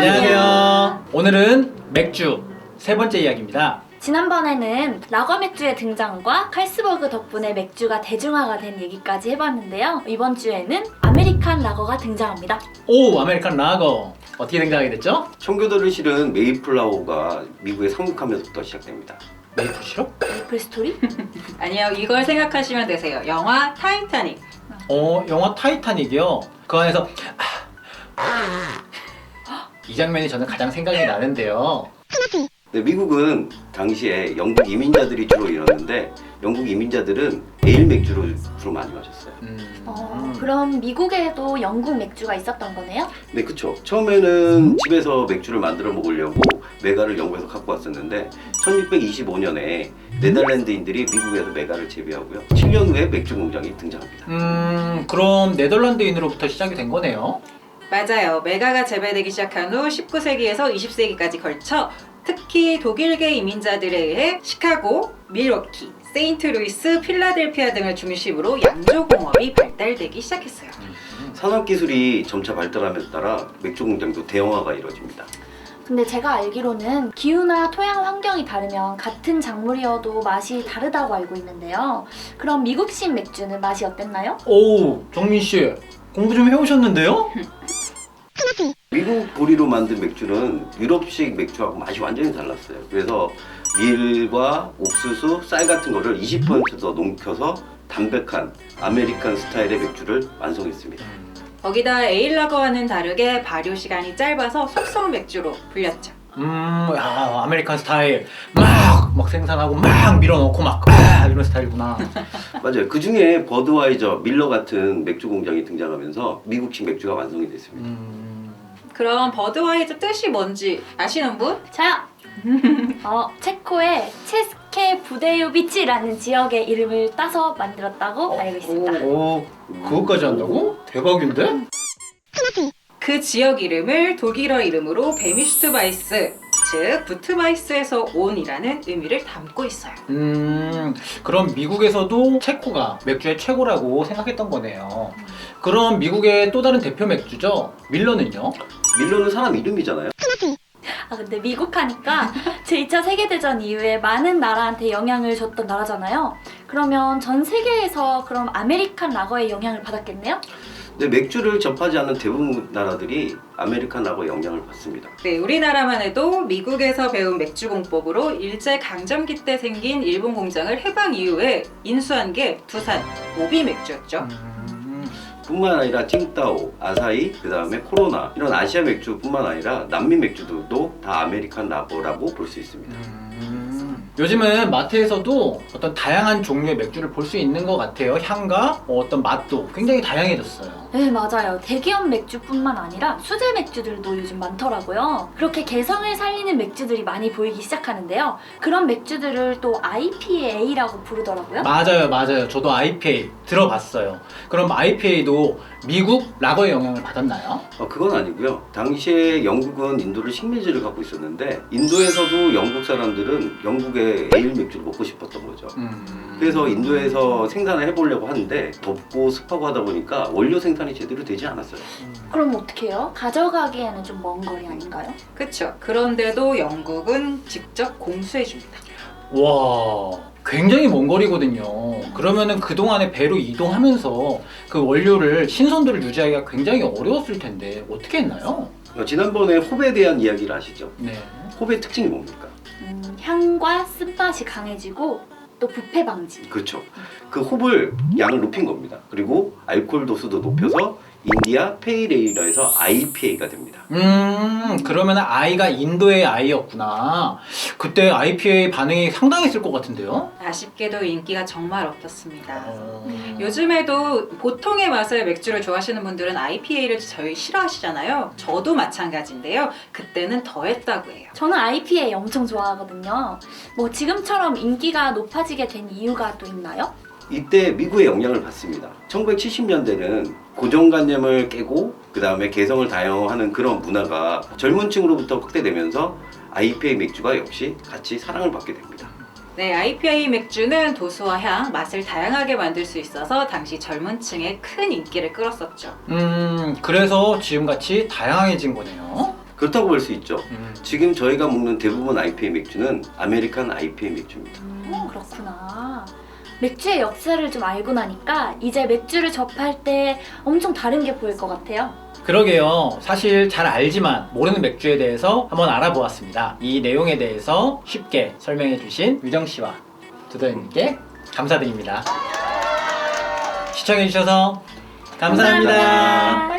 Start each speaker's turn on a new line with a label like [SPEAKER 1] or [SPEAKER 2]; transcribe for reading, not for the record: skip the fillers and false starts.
[SPEAKER 1] 안녕하세요. 오늘은 맥주 세 번째 이야기입니다.
[SPEAKER 2] 지난번에는 라거 맥주의 등장과 칼스버그 덕분에 맥주가 대중화가 된 얘기까지 해봤는데요. 이번 주에는 아메리칸 라거가 등장합니다.
[SPEAKER 1] 오, 아메리칸 라거. 어떻게 등장하게 됐죠?
[SPEAKER 3] 청교도를 실은 메이플라워가 미국에 상륙하면서부터 시작됩니다.
[SPEAKER 1] 메이플 시럽?
[SPEAKER 2] 메이플 스토리?
[SPEAKER 4] 아니요, 이걸 생각하시면 되세요. 영화 타이타닉.
[SPEAKER 1] 영화 타이타닉이요. 그 안에서 이 장면이 저는 가장 생각이 나는데요.
[SPEAKER 3] 네, 미국은 당시에 영국 이민자들이 주로 일었는데 영국 이민자들은 에일 맥주를 주로 많이 마셨어요.
[SPEAKER 2] 그럼 미국에도 영국 맥주가 있었던 거네요?
[SPEAKER 3] 네, 그쵸. 처음에는 집에서 맥주를 만들어 먹으려고 메가를 영국에서 갖고 왔었는데 1625년에 네덜란드인들이 미국에서 메가를 재배하고요. 7년 후에 맥주 공장이 등장합니다.
[SPEAKER 1] 그럼 네덜란드인으로부터 시작이 된 거네요.
[SPEAKER 4] 맞아요. 메가가 재배되기 시작한 후 19세기에서 20세기까지 걸쳐 특히 독일계 이민자들에 의해 시카고, 밀워키, 세인트루이스, 필라델피아 등을 중심으로 양조공업이 발달되기 시작했어요.
[SPEAKER 3] 산업기술이 점차 발달함에 따라 맥주 공장도 대형화가 이루어집니다.
[SPEAKER 2] 근데 제가 알기로는 기후나 토양 환경이 다르면 같은 작물이어도 맛이 다르다고 알고 있는데요. 그럼 미국식 맥주는 맛이 어땠나요?
[SPEAKER 1] 오, 정민 씨 공부 좀 해오셨는데요?
[SPEAKER 3] 미국 보리로 만든 맥주는 유럽식 맥주하고 맛이 완전히 달랐어요. 그래서 밀과 옥수수, 쌀 같은 거를 20%더 녹여서 담백한 아메리칸 스타일의 맥주를 완성했습니다.
[SPEAKER 4] 거기다 에일라거와는 다르게 발효 시간이 짧아서 속성 맥주로 불렸죠.
[SPEAKER 1] 야, 아메리칸 스타일 막 생산하고 막 밀어넣고 막 이런 스타일이구나.
[SPEAKER 3] 맞아요. 그 중에 버드와이저, 밀러 같은 맥주 공장이 등장하면서 미국식 맥주가 완성이 됐습니다.
[SPEAKER 4] 그럼 버드와이저 뜻이 뭔지 아시는 분?
[SPEAKER 2] 저요! 체코의 체스케 부데요비치라는 지역의 이름을 따서 만들었다고 알고 있습니다.
[SPEAKER 1] 오, 그것까지 한다고? 대박인데?
[SPEAKER 4] 그 지역 이름을 독일어 이름으로 베미슈트바이스, 즉 부트바이스에서 온이라는 의미를 담고 있어요.
[SPEAKER 1] 그럼 미국에서도 체코가 맥주의 최고라고 생각했던 거네요. 그럼 미국의 또 다른 대표 맥주죠? 밀러는요?
[SPEAKER 3] 밀러는 사람 이름이잖아요.
[SPEAKER 2] 근데 미국 하니까 제2차 세계대전 이후에 많은 나라한테 영향을 줬던 나라잖아요. 그러면 전 세계에서 그럼 아메리칸 라거의 영향을 받았겠네요?
[SPEAKER 3] 근데 맥주를 접하지 않는 대부분 나라들이 아메리칸 라거의 영향을 받습니다.
[SPEAKER 4] 네, 우리나라만 해도 미국에서 배운 맥주 공법으로 일제 강점기 때 생긴 일본 공장을 해방 이후에 인수한 게 두산 오비 맥주였죠.
[SPEAKER 3] 뿐만 아니라 칭따오, 아사히, 그 다음에 코로나 이런 아시아 맥주뿐만 아니라 남미 맥주들도 다 아메리칸 라거라고 볼 수 있습니다.
[SPEAKER 1] 요즘은 마트에서도 어떤 다양한 종류의 맥주를 볼 수 있는 것 같아요. 향과 어떤 맛도 굉장히 다양해졌어요.
[SPEAKER 2] 네, 맞아요. 대기업 맥주뿐만 아니라 수제 맥주들도 요즘 많더라고요. 그렇게 개성을 살리는 맥주들이 많이 보이기 시작하는데요. 그런 맥주들을 또 IPA라고 부르더라고요.
[SPEAKER 1] 맞아요. 저도 IPA 들어봤어요. 그럼 IPA도 미국 라거의 영향을 받았나요?
[SPEAKER 3] 그건 아니고요. 당시에 영국은 인도를 식민지를 갖고 있었는데 인도에서도 영국 사람들은 영국의 에일 맥주를 먹고 싶었던 거죠. 그래서 인도에서 생산을 해보려고 하는데 덥고 습하고 하다 보니까 원료 생산이 제대로 되지 않았어요.
[SPEAKER 2] 그럼 어떻게 해요? 가져가기에는 좀 먼 거리 아닌가요?
[SPEAKER 4] 그쵸. 그런데도 영국은 직접 공수해줍니다.
[SPEAKER 1] 와, 굉장히 먼 거리거든요. 그러면은 그동안에 배로 이동하면서 그 원료를 신선도를 유지하기가 굉장히 어려웠을 텐데 어떻게 했나요?
[SPEAKER 3] 지난번에 홉에 대한 이야기를 아시죠?
[SPEAKER 1] 네.
[SPEAKER 3] 홉의 특징이 뭡니까?
[SPEAKER 2] 향과 쓴맛이 강해지고 또 부패 방지.
[SPEAKER 3] 그렇죠. 그 홉을 양을 높인 겁니다. 그리고 알코올 도수도 높여서 인디아 페이레일러에서 IPA가 됩니다.
[SPEAKER 1] 그러면 아이가 인도의 아이였구나. 그때 IPA 반응이 상당했을 것 같은데요?
[SPEAKER 4] 아쉽게도 인기가 정말 없었습니다. 요즘에도 보통의 맛의 맥주를 좋아하시는 분들은 IPA를 저희 싫어하시잖아요. 저도 마찬가지인데요. 그때는 더했다고 해요.
[SPEAKER 2] 저는 IPA 엄청 좋아하거든요. 뭐 지금처럼 인기가 높아지게 된 이유가 또 있나요?
[SPEAKER 3] 이때 미국의 영향을 받습니다. 1970년대는 고정관념을 깨고 그 다음에 개성을 다양화하는 그런 문화가 젊은 층으로부터 확대되면서 IPA 맥주가 역시 같이 사랑을 받게 됩니다.
[SPEAKER 4] 네, IPA 맥주는 도수와 향, 맛을 다양하게 만들 수 있어서 당시 젊은 층에 큰 인기를 끌었었죠.
[SPEAKER 1] 그래서 지금같이 다양해진 거네요.
[SPEAKER 3] 그렇다고 볼 수 있죠. 지금 저희가 먹는 대부분 IPA 맥주는 아메리칸 IPA 맥주입니다.
[SPEAKER 2] 그렇구나. 맥주의 역사를 좀 알고 나니까 이제 맥주를 접할 때 엄청 다른 게 보일 것 같아요.
[SPEAKER 1] 그러게요. 사실 잘 알지만 모르는 맥주에 대해서 한번 알아보았습니다. 이 내용에 대해서 쉽게 설명해 주신 유정 씨와 두더님께 감사드립니다. 시청해 주셔서 감사합니다.